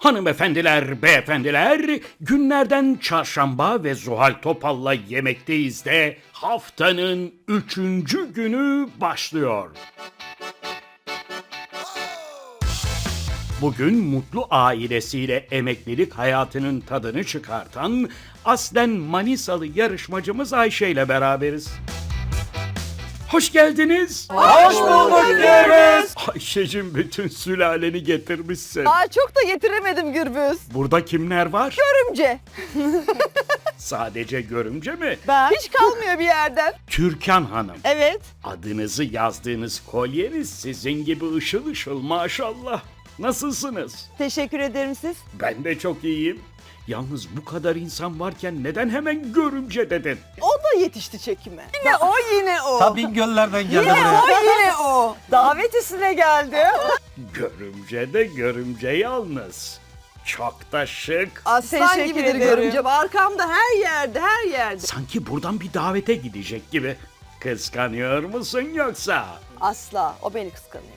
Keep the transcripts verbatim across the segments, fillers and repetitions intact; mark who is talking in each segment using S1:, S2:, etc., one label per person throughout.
S1: Hanımefendiler, beyefendiler, günlerden çarşamba ve Zuhal Topal'la yemekteyiz de haftanın üçüncü günü başlıyor. Bugün mutlu ailesiyle emeklilik hayatının tadını çıkartan aslen Manisalı yarışmacımız Ayşe ile beraberiz. Hoş geldiniz.
S2: Hoş bulduk Gürbüz.
S1: Ayşe'cim bütün sülaleni getirmişsin.
S2: Aa, çok da getiremedim Gürbüz.
S1: Burada kimler var?
S2: Görümce.
S1: Sadece görümce mi?
S2: Ben. Hiç kalmıyor bir yerden.
S1: Türkan Hanım.
S2: Evet.
S1: Adınızı yazdığınız kolyeniz sizin gibi ışıl ışıl maşallah. Nasılsınız?
S2: Teşekkür ederim siz.
S1: Ben de çok iyiyim. Yalnız bu kadar insan varken neden hemen görümce dedin?
S2: O da yetişti çekime. Yine o yine o.
S3: Tabii göllerden geldi
S2: Yine
S3: buraya.
S2: o yine o. Davet üstüne geldi.
S1: Görümce de görümce yalnız. Çok da şık.
S2: Aslan
S4: Teşekkür
S2: gibidir
S4: ederim.
S2: görümce. Arkamda her yerde her yerde.
S1: Sanki buradan bir davete gidecek gibi. Kıskanıyor musun yoksa?
S2: Asla. O beni kıskanıyor.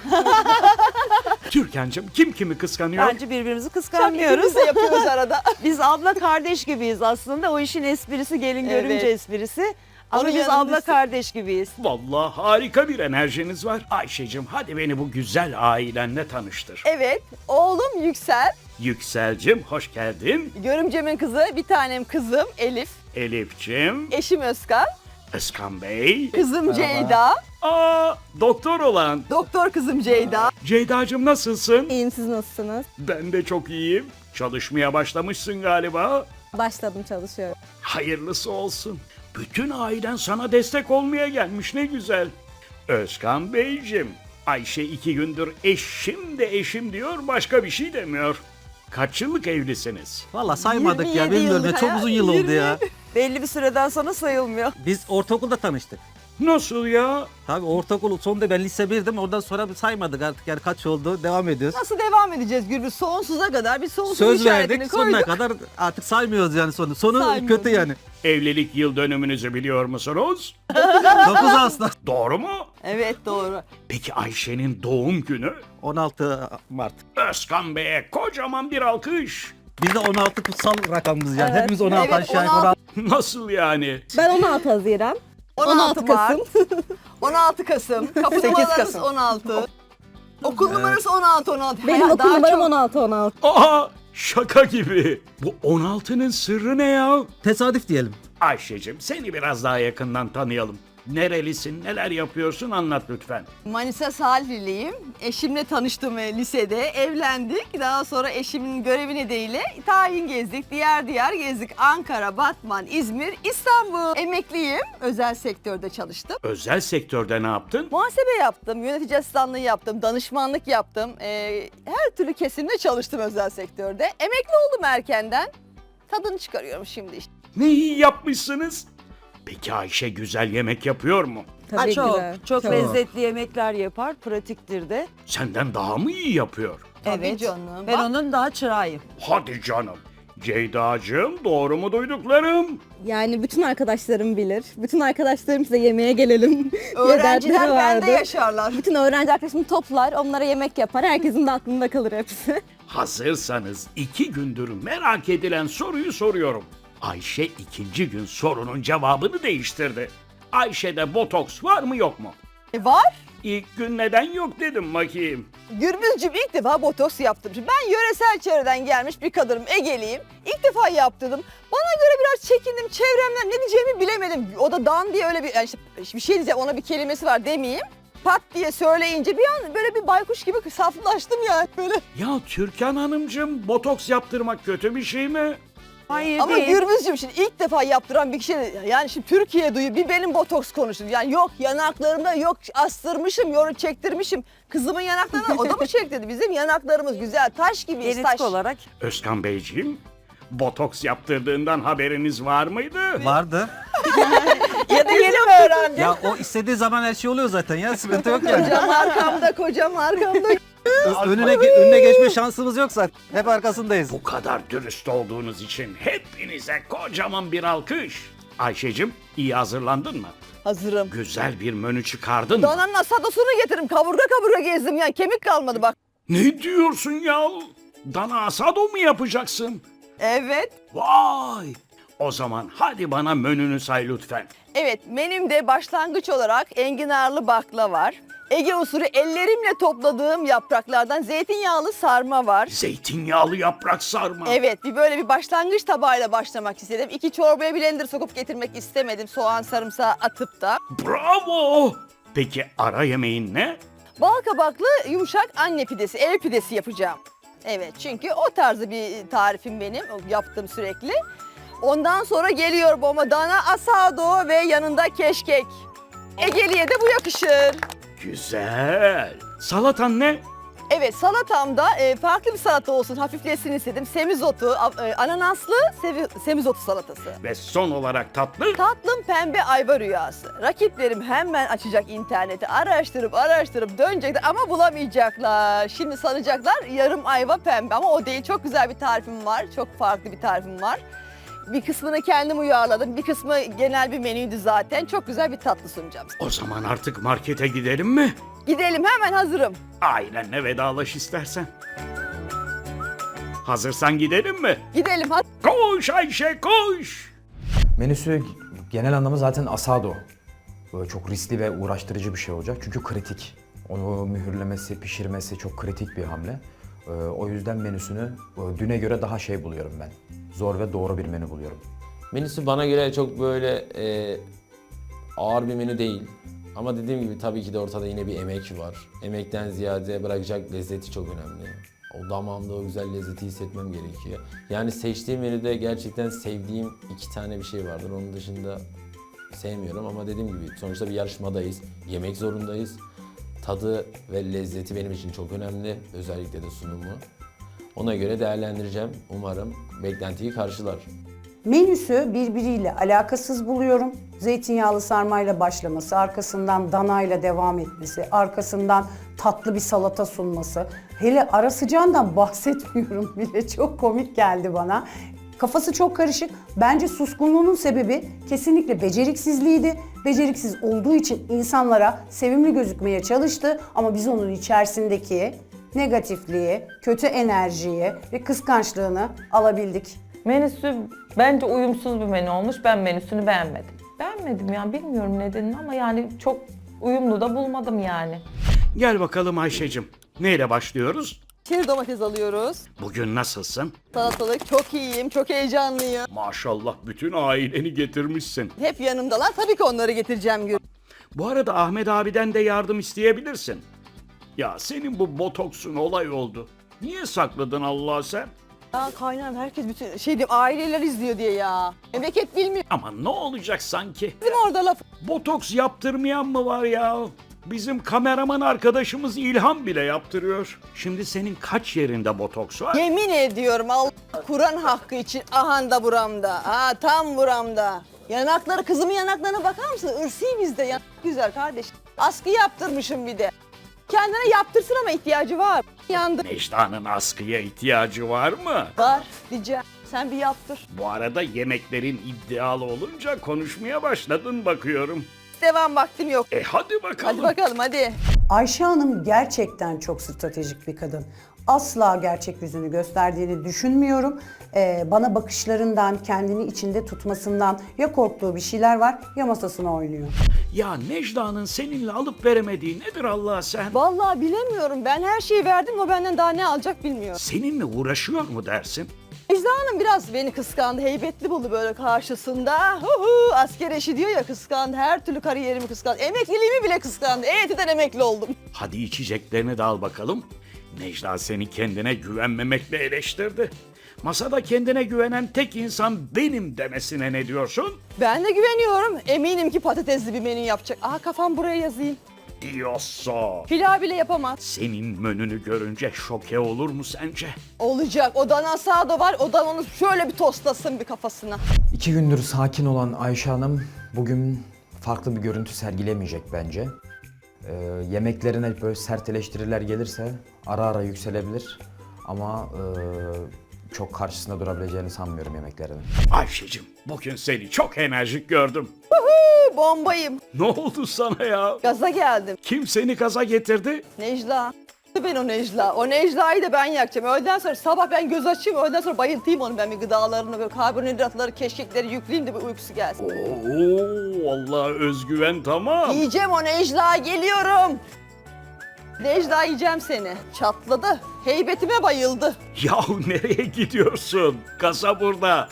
S1: Türkan'cığım kim kimi kıskanıyor?
S4: Bence birbirimizi
S2: İkimiz
S4: kıskanmıyoruz.
S2: de yapıyoruz arada.
S4: Biz abla kardeş gibiyiz aslında. O işin esprisi gelin
S2: Evet.
S4: görünce esprisi. Ama
S2: Onun
S4: biz
S2: yanında
S4: abla
S2: biz-
S4: kardeş gibiyiz.
S1: Vallahi harika bir enerjiniz var. Ayşe'cim hadi beni bu güzel ailenle tanıştır.
S2: Evet. Oğlum Yüksel.
S1: Yüksel'cim hoş geldin.
S2: Görümcemin kızı. Bir tanem kızım Elif.
S1: Elif'cim,
S2: Eşim Özkan.
S1: Özkan Bey.
S2: Kızım Ceyda.
S1: Aa, doktor olan.
S2: Doktor kızım Ceyda.
S1: Ceyda'cığım nasılsın?
S5: İyiyim, siz nasılsınız?
S1: Ben de çok iyiyim. Çalışmaya başlamışsın galiba.
S5: Başladım, çalışıyorum.
S1: Hayırlısı olsun. Bütün ailen sana destek olmaya gelmiş ne güzel. Özkan Beyciğim, Ayşe iki gündür eşim de eşim diyor başka bir şey demiyor. Kaç yıllık evlisiniz?
S3: Valla saymadık ya,
S2: yirmi yedi
S3: bilmiyorum ya,
S2: yıllık
S3: çok
S2: hayat,
S3: uzun yıl oldu
S2: yirmi
S3: ya.
S4: Belli bir süreden sonra sayılmıyor.
S3: Biz ortaokulda tanıştık.
S1: Nasıl ya?
S3: Tabii ortaokul sonunda ben lise birdim, oradan sonra bir saymadık artık, yani kaç oldu, devam ediyoruz.
S2: Nasıl devam edeceğiz Gürbüz? Sonsuza kadar bir sonsuz
S3: Söz
S2: işaretini
S3: verdik,
S2: koyduk.
S3: sonuna kadar artık saymıyoruz yani sonu. Sonu
S2: Saymıyoruz.
S3: kötü yani.
S1: Evlilik yıl dönümünüzü biliyor musunuz?
S3: dokuz Ağustos,
S1: Doğru mu?
S2: Evet doğru.
S1: Peki Ayşe'nin doğum günü?
S3: on altı Mart.
S1: Özkan Bey'e kocaman bir alkış.
S3: Bizde on altı kutsal rakamımız yani.
S5: Evet.
S3: Hepimiz on altı
S2: Evet,
S3: aşağı yukarı.
S2: on altı.
S1: Nasıl yani?
S5: Ben on altı Haziran.
S2: on altı,
S5: on altı Kasım.
S2: on altı Kasım. Kapı
S4: sekiz
S2: numaramız
S4: Kasım.
S2: on altı. Okul numarası on altı on altı.
S5: Benim
S2: Hayır,
S5: okul
S2: daha
S5: numaram
S2: çok-
S5: on altı on altı.
S1: Aa, şaka gibi. Bu on altının sırrı ne ya?
S3: Tesadüf diyelim.
S1: Ayşe'cim seni biraz daha yakından tanıyalım. Nerelisin, neler yapıyorsun anlat lütfen.
S2: Manisa Salihli'yim. Eşimle tanıştım e, lisede. Evlendik. Daha sonra eşimin görevi nedeniyle tayin gezdik. Diğer diğer gezdik. Ankara, Batman, İzmir, İstanbul. Emekliyim. Özel sektörde çalıştım.
S1: Özel sektörde ne yaptın?
S2: Muhasebe yaptım, yönetici asistanlığı yaptım, danışmanlık yaptım. Ee, her türlü kesimde çalıştım özel sektörde. Emekli oldum erkenden. Tadını çıkarıyorum şimdi işte.
S1: Ne iyi yapmışsınız. Peki Ayşe güzel yemek yapıyor mu?
S4: Ha,
S5: Tabii
S4: çok,
S5: güzel.
S4: çok lezzetli yemekler yapar, pratiktir de.
S1: Senden daha mı iyi yapıyor?
S2: Tabii
S4: Evet.
S2: canım.
S4: Ben
S2: Bak,
S4: onun daha çırağıyım.
S1: Hadi canım. Ceyda'cığım doğru mu duyduklarım?
S5: Yani bütün arkadaşlarım bilir. Bütün arkadaşlarım size yemeğe gelelim diye
S2: öğrenciler
S5: dertleri
S2: bende
S5: vardı.
S2: yaşarlar.
S5: Bütün öğrenci arkadaşımı toplar, onlara yemek yapar. Herkesin de aklında kalır hepsi.
S1: Hazırsanız iki gündür merak edilen soruyu soruyorum. Ayşe ikinci gün sorunun cevabını değiştirdi. Ayşe'de botoks var mı yok mu?
S2: E, var.
S1: İlk gün neden yok dedim bakayım.
S2: Gürbüzcüğüm ilk defa botoks yaptım. Şimdi ben yöresel çevreden gelmiş bir kadınım, Ege'liyim. İlk defa yaptırdım. Bana göre biraz çekindim. Çevremden ne diyeceğimi bilemedim. O da dan diye öyle bir, yani işte bir şey diyeceğim, ona bir kelimesi var demeyeyim. Pat diye söyleyince bir an böyle bir baykuş gibi saflaştım yani böyle.
S1: Ya Türkan Hanımcığım botoks yaptırmak kötü bir şey mi?
S4: Hayır
S2: Ama
S4: değil.
S2: Gürbüzcüğüm şimdi ilk defa yaptıran bir kişi, yani şimdi Türkiye duyuyor, bir benim botoks konuştum. Yani yok yanaklarımda yok astırmışım, yoru çektirmişim. Kızımın yanaklarına o da mı çektirdi? Bizim yanaklarımız güzel, taş gibiyiz,
S4: Genetik
S2: taş.
S4: olarak.
S1: Özkan Beyciğim, botoks yaptırdığından haberiniz var mıydı?
S3: Vardı.
S2: Ya da yeni mi öğrendin?
S3: Ya o istediği zaman her şey oluyor zaten ya, sıkıntı yok yani.
S2: Kocam arkamda, kocam arkamda.
S3: Ö- önüne, ge- önüne geçme şansımız yoksa hep arkasındayız.
S1: Bu kadar dürüst olduğunuz için hepinize kocaman bir alkış. Ayşe'cim iyi hazırlandın mı?
S2: Hazırım.
S1: Güzel bir menü çıkardın mı?
S2: Dananın asadosunu getiririm. Kaburga kaburga gezdim yani. Kemik kalmadı bak.
S1: Ne diyorsun ya? Dana asado mu yapacaksın?
S2: Evet.
S1: Vay! O zaman hadi bana menünü say lütfen.
S2: Evet, menümde başlangıç olarak enginarlı bakla var. Ege usulü ellerimle topladığım yapraklardan zeytinyağlı sarma var.
S1: Zeytinyağlı yaprak sarma.
S2: Evet, bir böyle bir başlangıç tabağıyla başlamak istedim. İki çorbaya blender sokup getirmek istemedim soğan sarımsağı atıp da.
S1: Bravo! Peki ara yemeğin ne?
S2: Bal kabaklı yumuşak anne pidesi, ev pidesi yapacağım. Evet, çünkü o tarzı bir tarifim benim, yaptığım sürekli. Ondan sonra geliyor bomba dana asado ve yanında keşkek. Egeli'ye de bu yakışır.
S1: Güzel. Salatan ne?
S2: Evet, salatamda e, farklı bir salata olsun, hafiflesin istedim. Semizotu, a- e, ananaslı sevi- semizotu salatası.
S1: Ve son olarak tatlı.
S2: Tatlım pembe ayva rüyası. Rakiplerim hemen açacak interneti, araştırıp araştırıp dönecekler ama bulamayacaklar. Şimdi sanacaklar yarım ayva pembe ama o değil. Çok güzel bir tarifim var, çok farklı bir tarifim var. Bir kısmını kendim uyarladım, bir kısmı genel bir menüydü zaten. Çok güzel bir tatlı sunacağım.
S1: O zaman artık markete gidelim mi?
S2: Gidelim, hemen hazırım.
S1: Ailenle vedalaş istersen. Hazırsan gidelim mi?
S2: Gidelim hadi.
S1: Koş Ayşe koş!
S6: Menüsü genel anlamı zaten asado. Böyle çok riskli ve uğraştırıcı bir şey olacak çünkü kritik. Onu mühürlemesi, pişirmesi çok kritik bir hamle. Ee, o yüzden menüsünü e, düne göre daha şey buluyorum ben. Zor ve doğru bir menü buluyorum.
S7: Menüsü bana göre çok böyle e, ağır bir menü değil. Ama dediğim gibi tabii ki de ortada yine bir emek var. Emekten ziyade bırakacak lezzeti çok önemli. O damağımda o güzel lezzeti hissetmem gerekiyor. Yani seçtiğim menüde gerçekten sevdiğim iki tane bir şey vardır. Onun dışında sevmiyorum ama dediğim gibi sonuçta bir yarışmadayız. Yemek zorundayız. Tadı ve lezzeti benim için çok önemli. Özellikle de sunumu. Ona göre değerlendireceğim. Umarım beklentiyi karşılar.
S8: Menüsü birbiriyle alakasız buluyorum. Zeytinyağlı sarmayla başlaması, arkasından danayla devam etmesi, arkasından tatlı bir salata sunması. Hele ara sıcağından bahsetmiyorum bile, çok komik geldi bana. Kafası çok karışık. Bence suskunluğunun sebebi kesinlikle beceriksizliğiydi. Beceriksiz olduğu için insanlara sevimli gözükmeye çalıştı ama biz onun içerisindeki negatifliği, kötü enerjiyi ve kıskançlığını alabildik.
S9: Menüsü bence uyumsuz bir menü olmuş. Ben menüsünü beğenmedim. Beğenmedim yani, bilmiyorum nedenini ama yani çok uyumlu da bulmadım yani.
S1: Gel bakalım Ayşe'cim. Neyle başlıyoruz?
S2: Çeri domates alıyoruz.
S1: Bugün nasılsın?
S2: Salatalık çok iyiyim, çok heyecanlıyım.
S1: Maşallah bütün aileni getirmişsin.
S2: Hep yanımdalar. Tabii ki onları getireceğim. Gül.
S1: Bu arada Ahmet abiden de yardım isteyebilirsin. Ya senin bu botoksun olay oldu. Niye sakladın Allah sen?
S2: Ya kaynağım herkes bütün şey diyeyim, aileler izliyor diye ya. Memleket bilmiyor.
S1: Ama ne olacak sanki?
S2: Bizim orada laf.
S1: Botoks yaptırmayan mı var ya? Bizim kameraman arkadaşımız İlhan bile yaptırıyor. Şimdi senin kaç yerinde botoks var?
S2: Yemin ediyorum Allah Kur'an hakkı için ahanda buramda. Ha tam buramda. Yanakları, kızımın yanaklarına bakar mısın? Irsi bizde. Yanak güzel kardeş. Askı yaptırmışım bir de. Kendine yaptırsın ama ihtiyacı var. Yandı.
S1: Necla'nın askıya ihtiyacı var mı?
S2: Var diyeceğim. Sen bir yaptır.
S1: Bu arada yemeklerin iddialı olunca konuşmaya başladın bakıyorum.
S2: Devam vaktim yok.
S1: E hadi bakalım.
S2: Hadi bakalım hadi.
S8: Ayşe Hanım gerçekten çok stratejik bir kadın. Asla gerçek yüzünü gösterdiğini düşünmüyorum. Ee, bana bakışlarından, kendini içinde tutmasından ya korktuğu bir şeyler var ya masasına oynuyor.
S1: Ya Necla'nın seninle alıp veremediği nedir Allah sen?
S2: Vallahi bilemiyorum. Ben her şeyi verdim. O benden daha ne alacak bilmiyorum.
S1: Seninle uğraşıyor mu dersin?
S2: Ejda Hanım biraz beni kıskandı. Heybetli buldu böyle karşısında. Hu hu, asker eşi diyor ya, kıskandı. Her türlü kariyerimi kıskandı. Emekliliğimi bile kıskandı. E Y T'den emekli oldum.
S1: Hadi içeceklerini de al bakalım. Necla seni kendine güvenmemekle eleştirdi. Masada kendine güvenen tek insan benim demesine ne diyorsun?
S2: Ben de güveniyorum. Eminim ki patatesli bir menü yapacak. Aha kafam buraya yazayım.
S1: Diyorsa.
S2: Pilav bile yapamaz.
S1: Senin menünü görünce şoke olur mu sence?
S2: Olacak. O dana asado var. O da onu şöyle bir tostlasın bir kafasına.
S6: İki gündür sakin olan Ayşe Hanım bugün farklı bir görüntü sergilemeyecek bence. Ee, yemeklerine böyle sert eleştiriler gelirse ara ara yükselebilir ama e, çok karşısında durabileceğini sanmıyorum yemeklerinin.
S1: Ayşe'cim bugün seni çok enerjik gördüm.
S2: Bombayım.
S1: Ne oldu sana ya?
S2: Gaza geldim.
S1: Kim seni gaza getirdi?
S2: Necla. Ben o Necla. O Necla'yı da ben yakacağım. Öğleden sonra sabah ben göz açayım. Öğleden sonra bayıltayım onu ben bir gıdalarını. Böyle karbonhidratları, keşkekleri yükleyeyim de bir uykusu gelsin.
S1: Oo, vallahi özgüven tamam.
S2: Yiyeceğim o Necla. Geliyorum. Necla yiyeceğim seni. Çatladı. Heybetime bayıldı.
S1: Yahu nereye gidiyorsun? Kasa burada.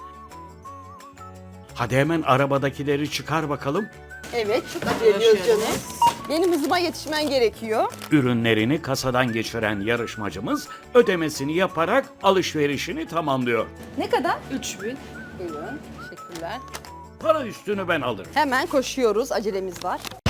S1: Hadi hemen arabadakileri çıkar bakalım.
S2: Evet, çok acele ediyoruz canım. Benim hızıma yetişmen gerekiyor.
S1: Ürünlerini kasadan geçiren yarışmacımız ödemesini yaparak alışverişini tamamlıyor.
S2: Ne kadar? üç bin. Buyurun. Teşekkürler.
S1: Para üstünü ben alırım.
S2: Hemen koşuyoruz. Acelemiz var.